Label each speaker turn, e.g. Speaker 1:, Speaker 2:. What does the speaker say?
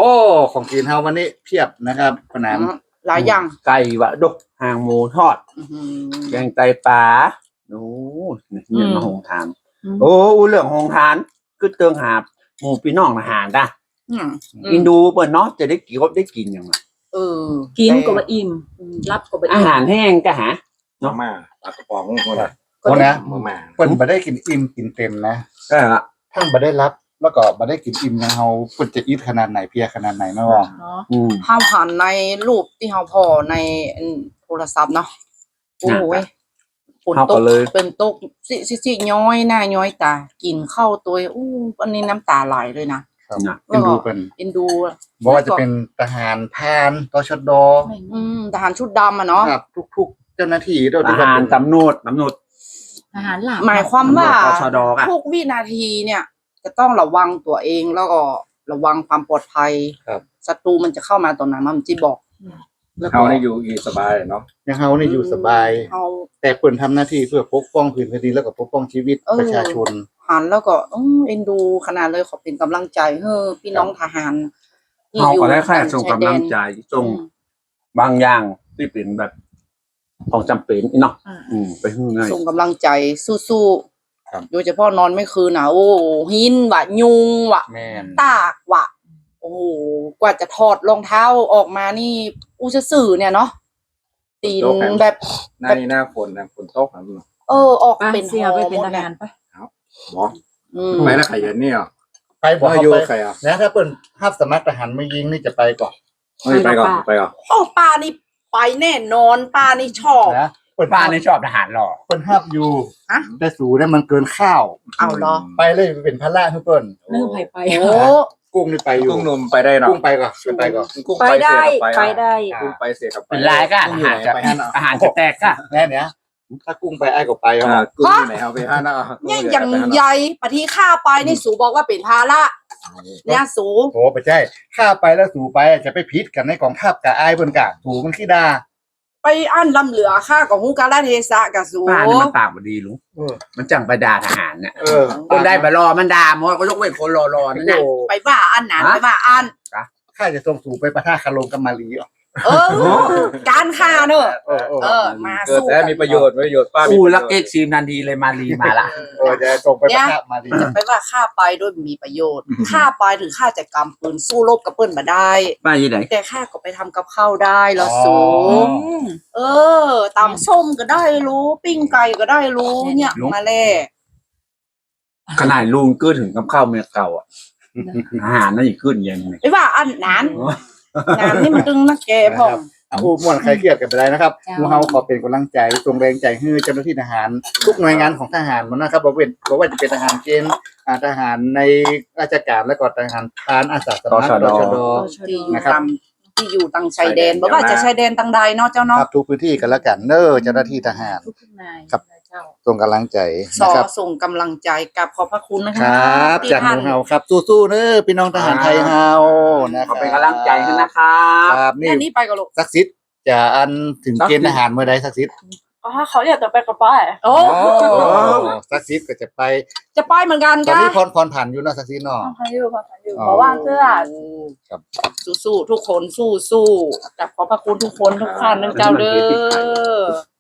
Speaker 1: อ้ของกินเฮาวันนี้เพียบนะครับขนม
Speaker 2: หลายอย่าง
Speaker 3: ไก่วะดกหางหมูทอดแกงไตปลาโอ้เนี่ยมาหงทานโอ้เรื่องหงทานคือเติงหาหมูพี่น้องอาหารได้อินดูเปิดเนาะจะได้กินอย่างไร
Speaker 2: กินก็ว่าอิ่มรับก็ว่า
Speaker 3: อาหารแห้งก็หา
Speaker 1: เนาะมาปลากระป๋องคนละ
Speaker 4: คนนะเปิ้นบ่ได้กินอิ่มกินเต็มนะ
Speaker 3: ก็ฮะ
Speaker 4: ทั้งบ่ได้รับแล้วก็บ่ได้กินอิ่มนะเฮาเปิ้นจะอิดขนาดไหนเพียขนาดไหนนะว่า
Speaker 2: เฮาหันในรูปที่เฮาพอในโทรศัพท์เนาะโอ้ยฝนตกเป็นตกสิย้อยหน้าย้อยตากินข้าวตัวอันนี้น้ำตาไหลเลยนะครับ
Speaker 4: เอ็นดูเปิ้น
Speaker 2: เอ็นดู
Speaker 4: บ่ว่าจะเป็นทหารพรานตชด
Speaker 2: ทหารชุดดำอ่ะเนาะ
Speaker 4: ครับทุกๆเจ้าหน้าที่
Speaker 3: ทหารตำรวจ
Speaker 2: ทหารหลักหมายความว่าทุกวินาทีเนี่ยจะต้องระวังตัวเองแล้วก็ระวังความปลอดภัยศัตรูมันจะเข้ามาตอนไหนมันจะบอก
Speaker 1: เฮานี่อยู่สบายเนาะ
Speaker 4: ยังเฮานี่อยู่สบายแต่เปิ้นทำหน้าที่เพื่อปกป้องพื้นแผ่นดินแล้วก็ปกป้องชีวิตประชาชน
Speaker 2: หันแล้วก็เอ็นดูขนาดเลยขอเป็นกำลังใจพี่น้องทหาร
Speaker 3: เฮาก็ได้แค่ส่งกำลังใจส่งบางอย่างที่เป็นแบบของจำเป็นเนาะไปง่าย
Speaker 2: ส่งกำลังใจสู้ๆโดยเฉพาะนอนไม่คืนนะโอ้หินวะยุงวะตากวะโอ้กว่าจะถอดรองเท้าออกมานี่จะสื่อเนี่ยเนาะตีนแบบ
Speaker 1: หน้าฝนตกครับ
Speaker 2: ออกเป็น
Speaker 5: เสียไปเป็นทหารปะ
Speaker 1: ครับบอกไปแล้วใครเนี่ย
Speaker 4: ไปบอกอยู่ใครอ่ะนะถ้าเปิ้นภาพสมัครทหารไม่ยิงนี่จะไปก่อน
Speaker 1: ไปก่อน
Speaker 2: ป้านี่ไปแน่นอนป้านี่ชอบ
Speaker 4: นะ
Speaker 3: ป้านี่ชอบทหารหล่อ
Speaker 4: เปิ้นห้ามอยู่แต่สูได้มันเกินข้าว
Speaker 2: เอาเหรอ
Speaker 4: ไปเลยเป็นพระราชเปิ้น
Speaker 5: เริ่มไป
Speaker 2: โอ้
Speaker 4: กุ้งนี่ไปอยู่
Speaker 1: กุ้งนมไปได้เนาะ
Speaker 4: กุ้งไปก่อน
Speaker 1: กุ้ง
Speaker 5: ไปได้
Speaker 1: กุ้งไปเสียกับ
Speaker 3: เป็นลายก็อาหารจะแตกก็
Speaker 4: แน่เนี่ยถ้ากุ้งไปไอ้ก็ไป
Speaker 1: กุ้งไหนเอาไปห้านะ
Speaker 2: เนี่ยอย่างใหญ่ปฏิข้าไปนี่สูบอกว่าเป็นภาระเนี่ยสู
Speaker 4: โอ้ไปใช่ข้าไปแล้วสูไปจะไปพิษกันในกองทัพกับไอ้บนกะสูมันขี้ดา
Speaker 2: ไปอั้นลำเหลือข้าของฮูกาลเทศะกับสู
Speaker 3: ป้านี่มันปากบดีลุงมันจังไปด่าทหารเนี่ยคนได้ไปรอมันด่ามันก็ยกเว้นคนรอนั่นแหละ
Speaker 2: ไปว่าอันนั้นไปว่าอัน
Speaker 4: ข้าจะส่งสูไปประท่าคารมกับมาลี
Speaker 2: การฆ่าเนอะมาสู้
Speaker 1: แต่มีประโยชน์ป้า
Speaker 3: ลักเอ็กซ์ซีมนันดีเลยมาลีมาละ
Speaker 4: จะส่งไปประท่ามาลี
Speaker 2: จะไปว่าฆ่าไปด้วยมีประโยชน์ฆ่าไปถึงฆ่าจะกำปืนสู้รบกับเปิ้ลมาได้
Speaker 3: มาที่ไหน
Speaker 2: แต่ฆ่าก็ไปทำกับข้าวได้แล้วสูงตำส้มก็ได้รู้ปิ้งไก่ก็ได้รู้เนี่ยมาแล่
Speaker 3: ขนาดลุงก็ถึงกับข้าวเมียเก่าอาหารนั่นอีกขึ้นยังไง
Speaker 2: ไม่ว่าอันนั้นงานนี่มันตึงนักแกพ่อ
Speaker 4: ม่วนใครเครียดกันไปได้นะครับมูเฮาขอเป็นกำลังใจส่งแรงใจให้เจ้าหน้าที่ทหารทุกหน่วยงานของทหารมันนะครับบอกว่าจะเป็นทหารเกณฑ์ทหารในราชการและก็ทหารพรานอาสาสมัครตชด
Speaker 2: นะครับที่อยู่ตังชายแดนบอกว่าจะชายแดนตังใดเนาะเจ้าเนาะ
Speaker 4: ครับทุกพื้นที่กันแล้วกันเจ้าหน้าที่ทหารครับส่งกำลังใจ
Speaker 2: นะครับส่งกำลังใจกับขอบพระคุณ
Speaker 4: นะครับจากหมู่เฮาครับสู้ๆพี่น้องทหารไทยเฮานะครับ
Speaker 3: เป็นกำลังใจให้นะครับ
Speaker 2: นี่ไปกับลูก
Speaker 4: ศักดิ์สิทธิ์จะอันถึงเกณฑ์ทหารเมื่อใดศักดิ์สิทธิ์
Speaker 5: เขาอยากจะไปกับป้า
Speaker 4: ศักดิ์สิทธิ์ก็จะไป
Speaker 2: เหมือนกัน
Speaker 4: ตอนนี้พรผ่านอยู่นะศักดิ์สิทธิ์เนาะ
Speaker 5: ผ่านอยู่เพราะว่าเสื้อ
Speaker 4: ครับ
Speaker 2: สู้ๆทุกคนสู้ๆกับขอบพระคุณทุกคนทุกท่านนะเจ้าเด้อ